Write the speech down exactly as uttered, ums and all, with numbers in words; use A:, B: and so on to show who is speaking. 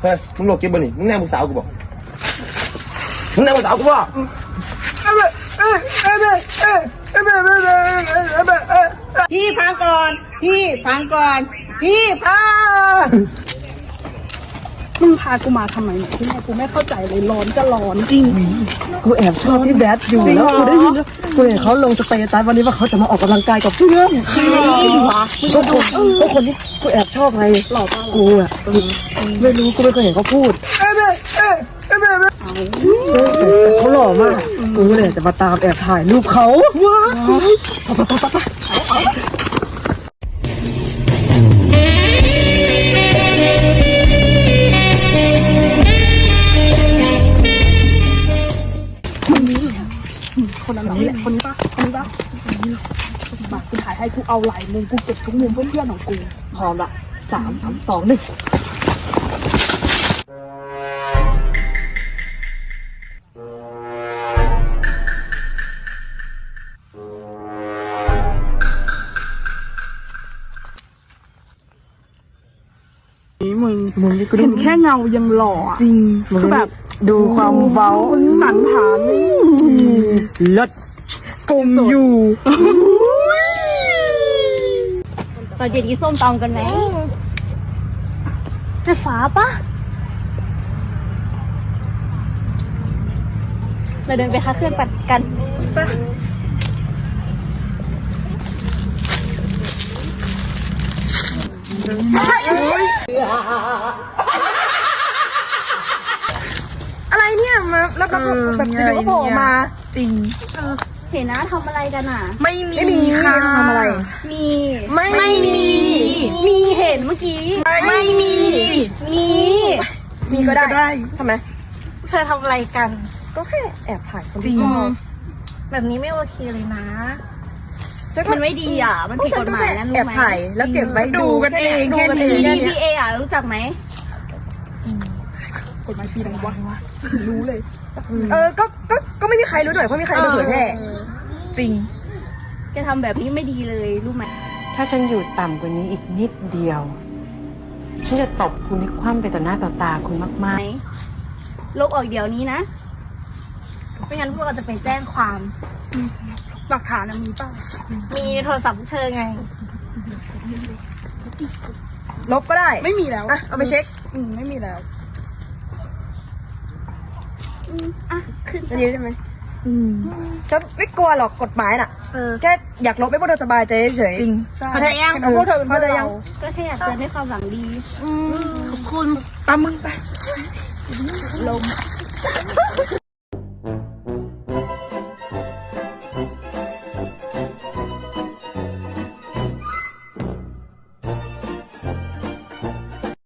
A: เฮ้ยมึงโลกเก็บบ่นี่มึงแน่มึงสาวกูบอกมึงแน่มึงสาวกูบอก
B: พี่ฟังก่อนพี่ฟังก่อนพี่พามึงพากูมาทำไมเนี่ยที่แม่กูไม่เข้าใจเลยร้อนก็ร้อนจริง
C: กูแอบชอบพี่แบทอยู่แล้วกูได้ยินแล้วกูเห็นเขาลงสเตตัสวันนี้ว่าเขาจะมาออกกำลังกายกับเพื่อนใช่ก็คนก็คนที่กูแอบชอบไงหล่อกูอ่ะไม่รู้กูไม่เคยเห็นเขาพูดเขาหล่อมากกูเลยจะมาตามแอบถ่ายรูปเขาว้าว
B: คนนั้นแหละคนนี้ป่ะคนนี้ป่ะมากูถ่ายให้กูเอาหลายมุมกูเก็บทุกมุมเพื่อนๆของกู
C: พร้อมละสามสามสองหนึ่ง
B: นี่มึง
C: มึงนี่กู
B: เห็นแค่เงายังหล่อจริงคือแบบ
C: ดูความเว้า
B: สันฐาน
C: เลิศกลมอยู่
D: ตอนเย็นกินส้มตำกันไหมแต่ฟ้าปะเราเดินไปค้าเครื่องปัดกันปะ
B: อะไรเนี่ยมาแล้วก็แบบเดี๋ยวก็โผล่มาจริง
D: เห็นนะทำอะไรกันอ่ะ
B: ไม่มีไม่มีค่ะทำอะไร
D: มี
B: ไม่ไม่มี
D: มีเห็นเมื่อกี้
B: ไม่มี
D: มี
B: มีก็ได้ทำไม
D: เธอทำอะไรกัน
B: ก็แค่แอบถ่ายคนจริง
D: แบบนี้ไม่โอเคเลยนะมันไม่ดีอ่ะมันผิดกฎหมายนะรู้ไหม
B: แอบถ่ายแล้วเก็บไว้ดูกันเองแค่นี้
D: ดี พี เอ อ่ะรู้จักไหม
B: กฎหมายปีอะไรวะรู้เลยเออก็ก็ก็ไม่มีใครรู้ด้วยเพราะมีใครเอาเผยแพร่จริง
D: แกทำแบบนี้ไม่ดีเลยรู้ไหม
E: ถ้าฉันอยู่ต่ำกว่านี้อีกนิดเดียวฉันจะตบคุณให้คว่ำไปต่อหน้าต่อตาคุณมาก
D: ๆลบออกเดี๋ยวนี้นะไม่งั้นพวกเราจะไปแจ้งความ
B: หลักฐานมีป่ะ
D: มีโทรศัพท์เธอไง
B: ลบก็ได้
D: ไม่มีแล้ว
B: อ่ะเอาไปเช็ค
D: อืมไม่มีแล้วอืมอ่ะขึ้น
B: อันนี้ได้ไหมอืมฉันไม่กลัวหรอกกฎหมายน่ะแค่อยากลบให้พวกเธอสบายใจเฉยจริง
D: พอใจยัง
B: พวกเธอเป็นพอใจยัง
D: ก็แค่อยากเตือนให้ความหวังดี
B: ขอบคุณตามมึงไป
D: ลม